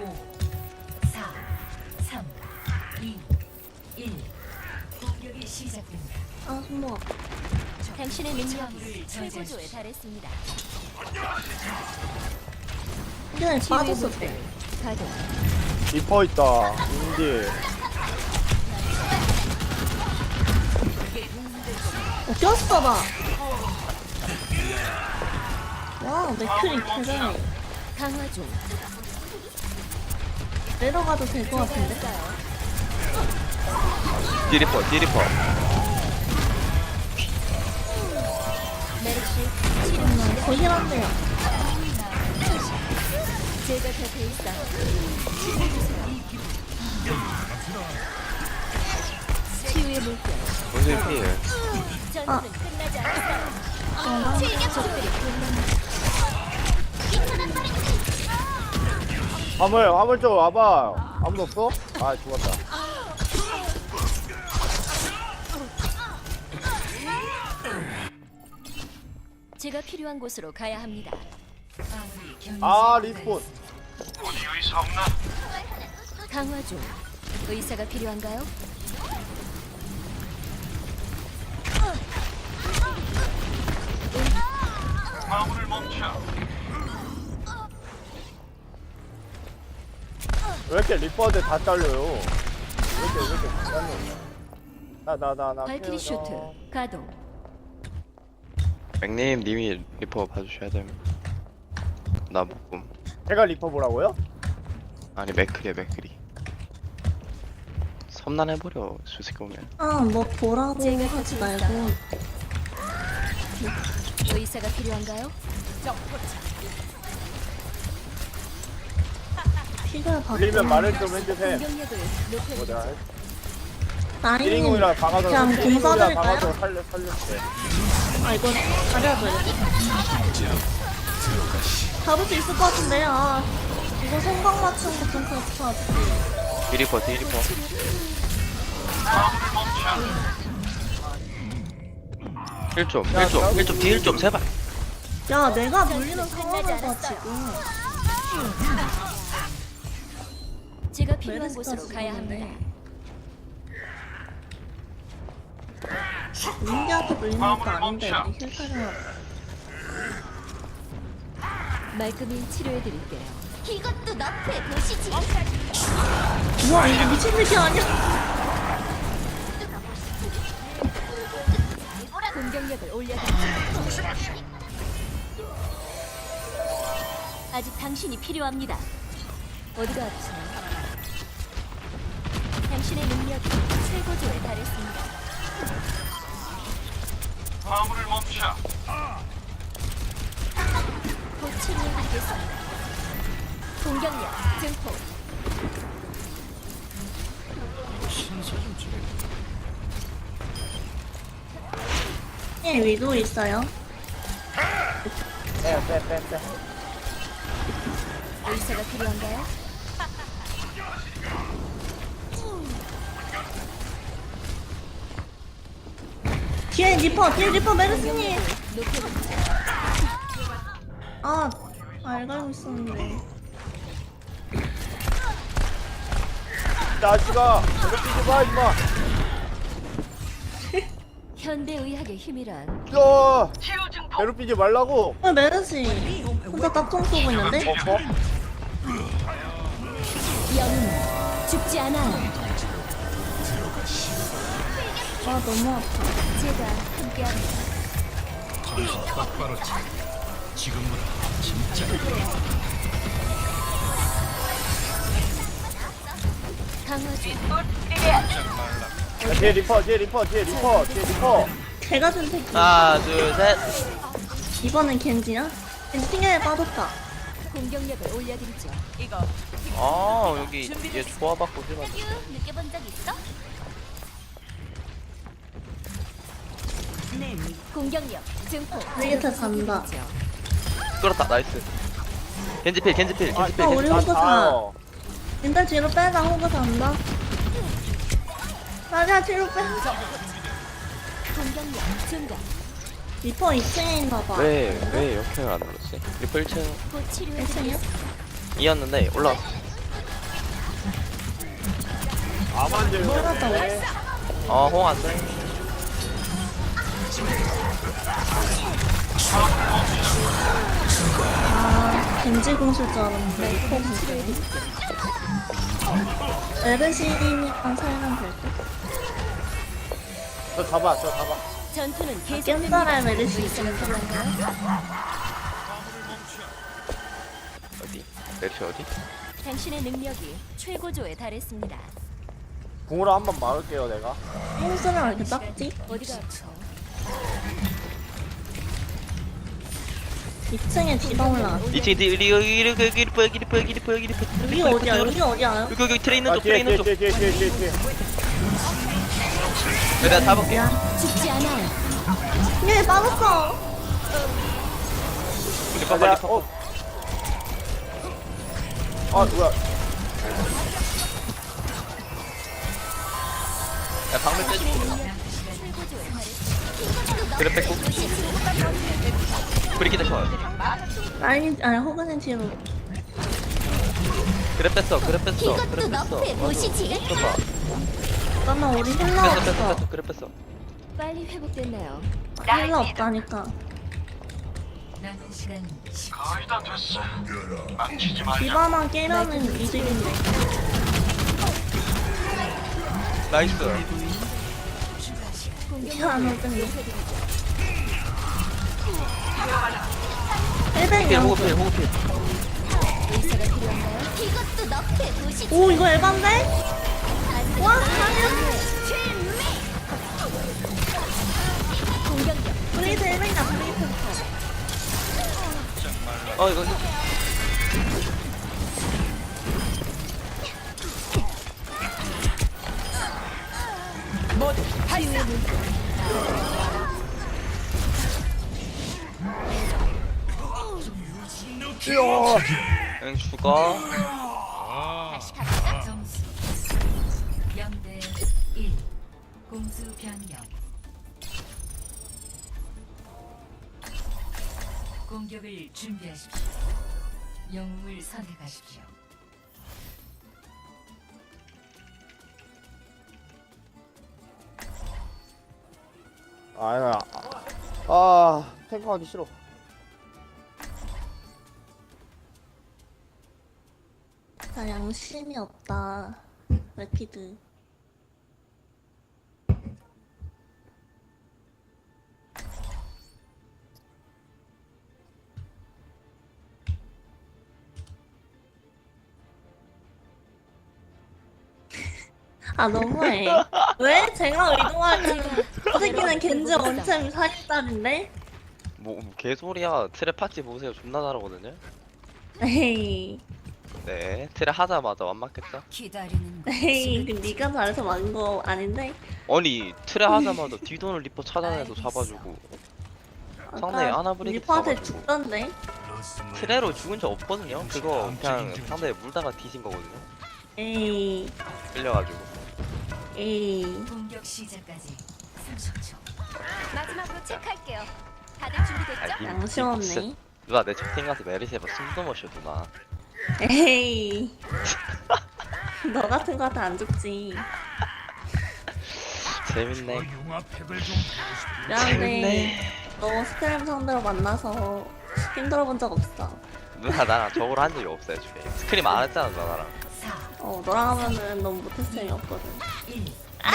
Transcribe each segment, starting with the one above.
5, 4, 3, 2, 1. 공격이 시작됩니다. 아, 손목 아파. 당신의 능력이 최고조에 달했습니다. 근데 빠졌었대. 가동. 리퍼 있다. 인디. 꼈어, 나. 와, 맥클이 개잘해. 강화 중. 내려가도 될 것 같은데? 디리퍼 메르시 더 힐한데요. 제가 곁에 있어. 치유의 물결. 원숭이 피해. 전투는 끝나지 않았어요. 적들이 공격합니다. 화물 좀 와봐. 아무도 없어? 아, 죽었다. 제가 필요한 곳으로 가야 합니다. 아무리 견제 아, 리스폰. 강화 중. 의사가 필요한가요? 왜 이렇게 리퍼한테 다 잘려요? 왜 이렇게 다 잘려? 나 발키리 태워줘. 슈트 가동. 맥님 님이 리퍼 봐주셔야 됩니다. 나 못봄. 제가 리퍼 보라고요? 아니 맥크리. 섬난해버려 수색 보면. 아, 뭐 보라고 하지 말고. 의사가 필요한가요? 피가 들리면 바꾸면 말을 좀 해주세요. 공격력을 뭐 높여주세요. 내가 나인님 1인공이랑 박아서 그냥 공 1인공이랑 써드릴까요? 박아서 살렸대. 아, 이거 가려줘요. 잡을 수 있을 것 같은데. 아, 이거 생각 맞춘 거 좀 그렇다. 디리퍼. 딜좀 제발. 야, 내가 물리는 상황에서 지금 제가 필요한 메르스까지 곳으로 가야 합니다. 민기한테 물리는 것도 아닌데 힐 타령하고. 말끔히 치료해 드릴게요. 이것도 너프에 보시지. 우와, 이거 미친 새끼 아니야? 공격력을 올려드리죠. 아직 당신이 필요합니다. 어디가 아프세요? 당신의 능력이 최고조에 달했습니다. 곧 치료해드리겠습니다. 공격력 증폭. 예, 위도 있어요. 빼. 의사가 필요한가요? 뒤에 리퍼 메르스님. 높여드리죠. 아, 알고 있었는데. 자식아, 괴롭히지 마, 임마. 현대의학의 힘이란 야, 괴롭히지 말라고. 메르시 혼자 딱총 쏘고 있는데? 어? 영웅 죽지 않아요. 아, 너무 아파. 제가 함께합니다. 강화 중. 야, 뒤에 리퍼. 개가 준 새끼. 하나 둘셋. 이번엔 겐지야? 겐지 튕겨에 빠졌다. 공격력을 올려드리죠. 아 여기 얘 조화받고 해봐. 느껴본 적 있어? 공격력 증폭. 리게타 잔다. 끌었다 나이스. 겐지필. 아, 우리 나 호구 자요. 일단 뒤로 빼자. 호구 잔다. 맞아, 뒤로 빼. 공격력 증가. 리퍼 2층에 있나봐. 왜 역행을 안 눌렀지? 리퍼 1층 곧 치료해드리겠습니다. 2였는데 올라왔어. 아만들. 홍 안돼. 겐지 공실 줄 알았는데 리퍼 공실. 에르시니까 살면 될 듯. 저 잡아, 저 잡아. 전투는 계속됩니다. 깬사람 에르시 의사가 있으면 필요한가요? 어디? 내리 어디? 당신의 능력이 최고조에 달했습니다. 궁으로 한번 막을게요, 내가. 홈스랑 왜 이렇게 작지? 어디가 아프세요? 2층에 디바 올라가. 이층 여기 리퍼 여기 어디야? 여기 어디야? 여기 트레 있는 아, 쪽 트레 있는 쪽. 뒤에. 내가 잡을게. 죽지 않아요. 얘 빠졌어. 리퍼 내가, 리퍼. 아, 뭐야. 야 방금 빼줄게. 최고조에 달했습니다. 그래 뺏고. 브리키드 컷. 아니 호그는 뒤로. 그래 뺐어. 그래 뺐어. 이것도 그래 뺐어. 너프의 도시지. 봐. 잠깐만 우리 힐러 없어. 뺐어. 그래 뺐어. 빨리 회복됐나요? 힐러 없다니까. 남은 시간 10초. 디바만 깨면은 이득인데. 나이스. 안 오던데. 필 100이 호흡필 호흡필. 의사가 필요한가요? 이것도 너프의 도시지. 오 이거 에반데? 와 아니야. 공격력. 브레이드 100이다 브레이드. 이거 응 죽어. 점수 0대 1. 공수 변경. 공격을 준비하십시오. 영웅을 선택하십시오. 아니야. 아, 탱커하기 싫어. 나 양심이 없다. 레피드. 아 너무해. 왜? 제가 의도하지. 이 새끼는 겐지 원챔 40달인데? 뭐 개소리야. 트랩 파티 보세요. 존나 잘하거든요. 에이. 네. 트랩 하자마자 완막했죠. 기다리는 에이. 그 네가 잘해서 막은 거 아닌데? 아니 트랩 하자마자 뒤도는 리퍼 찾아내서 잡아주고. 상대 아나브레이크 리퍼한테 잡아주고. 죽던데? 트레로 죽은 적 없거든요. 그거 그냥 상대 물다가 뒤진 거거든요. 에이. 끌려가지고. 에이. 공격 시작까지 30초. 마지막으로 체크할게요. 다들 아, 준비됐죠? 양심 없네. 누나 내 채팅 가서 메리스 해봐. 숨도 못 쉬어 누나. 에이. 너 같은 거한테 안 죽지. 재밌네. 미안해. 너 스크램 상대로 만나서 힘들어 본 적 없어. 누나 나랑 저걸 한 적이 없어요. 주에 스크림 안 했잖아 누나 나랑. 4, 너랑 하면은 너무 못했을 리 없거든. 1.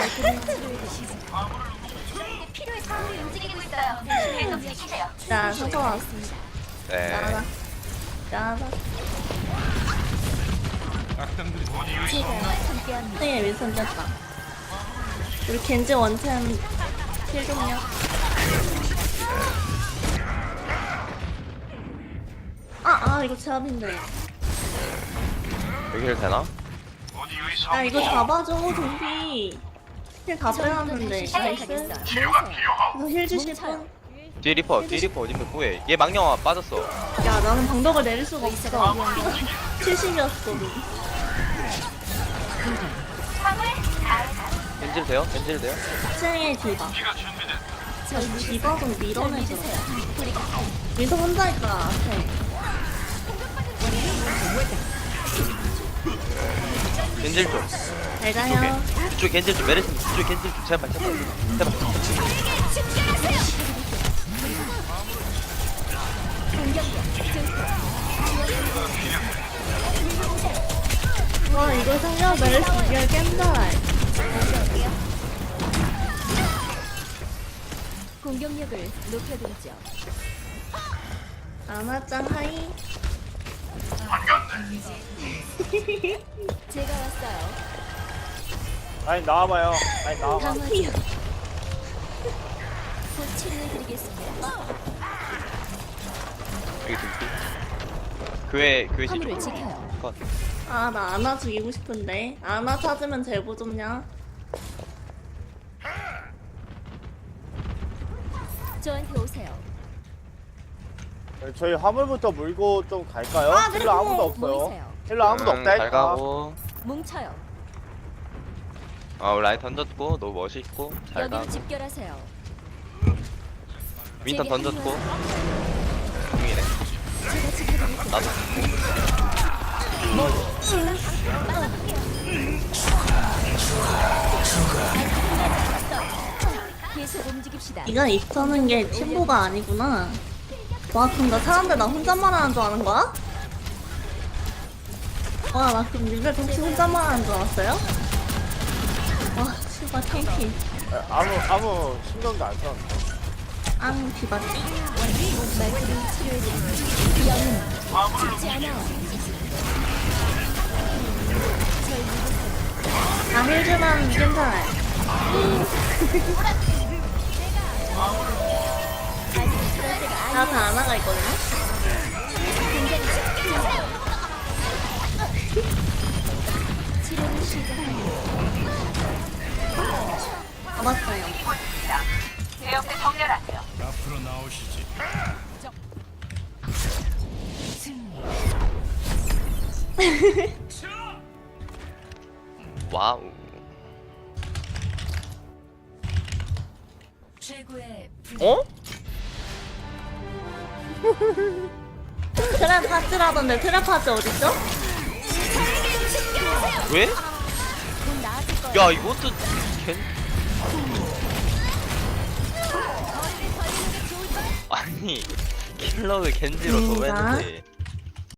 저에게 필요의 사물이 움직이고 있어요. 방금 지키세요. 자, 상처 왔어. 네. 나가자. 나가자. 제가 함께합니다. 네, 윈선 됐다. 우리 겐지 원챔 힐 좀요. 이거 제압인데. 여기를 되나? 야, 이거 잡아줘, 좀비. 힐 다 빼놨는데. 나이스. 시작하겠어요. 이거 힐 주실 분? 뒤에 리퍼 어디면 뭐해? 얘 망령아 빠졌어. 야, 나는 방벽을 내릴 수가 없어. 70이었거든. 겐질 돼요? 겐질 돼요? 쟁의 디바. 저희 디바 좀 밀어내줘. 주세요. 민서 혼자 있다, 앞에. 겐질 좀. 잘 가요. 이쪽 겐질 좀 메르시 이쪽 겐질 좀 제발 제발 제발. 와 이거 성령 메르시 이걸 깬다. 공격력을 높여드리죠. 아마짱 하이. 제가 왔어요. 아니 나와봐요. 아니 나와봐. 강화요. 곧 치료해드리겠습니다. 여기 등피. 교회 화물을 시쪽. 지켜요. 컷. 아 나 아나 죽이고 싶은데. 아나 찾으면 제보 좀냐? 저한테 오세요. 저희 화물부터 물고 좀 갈까요? 아, 힐러 그리고 아무도 없어요. 모이세요. 힐러 아무도 없다 잘 했다. 가고. 뭉쳐요. 라인 던졌고 너무 멋있고 잘 여기로 가고. 집결하세요. 윈턴 제게 던졌고. 합류하세요. 공이네. 제가 지켜드리겠습니다. 나도. 계속 움직입시다. 이건 입터는 게 팀보가 아니구나. 와 그럼 나 사람들 나 혼잣말 하는 줄 아는 거야? 와 나 그럼 니들 혹시 혼잣말 하는 줄 알았어요? 와 씨발 탱키. 아무 신경도 안 썼는데. 앙 뒤바지. 말끔히 치료해드립니다. 영웅 죽지 않아요. 절 믿으세요. 나 힐주면 괜찮아요. 아직 그럴 때가 아니에요. 나한테 아나가 있거든요? 치료를 시작합니다. 잡았어요. 승리. 와우. 최고의 어? 트랩 파츠라던데 트랩 파츠 어딨죠? 왜? 곧 나아질 거예요. 야 이것도 겐. 아니 킬러를 겐지로 나? 도했는데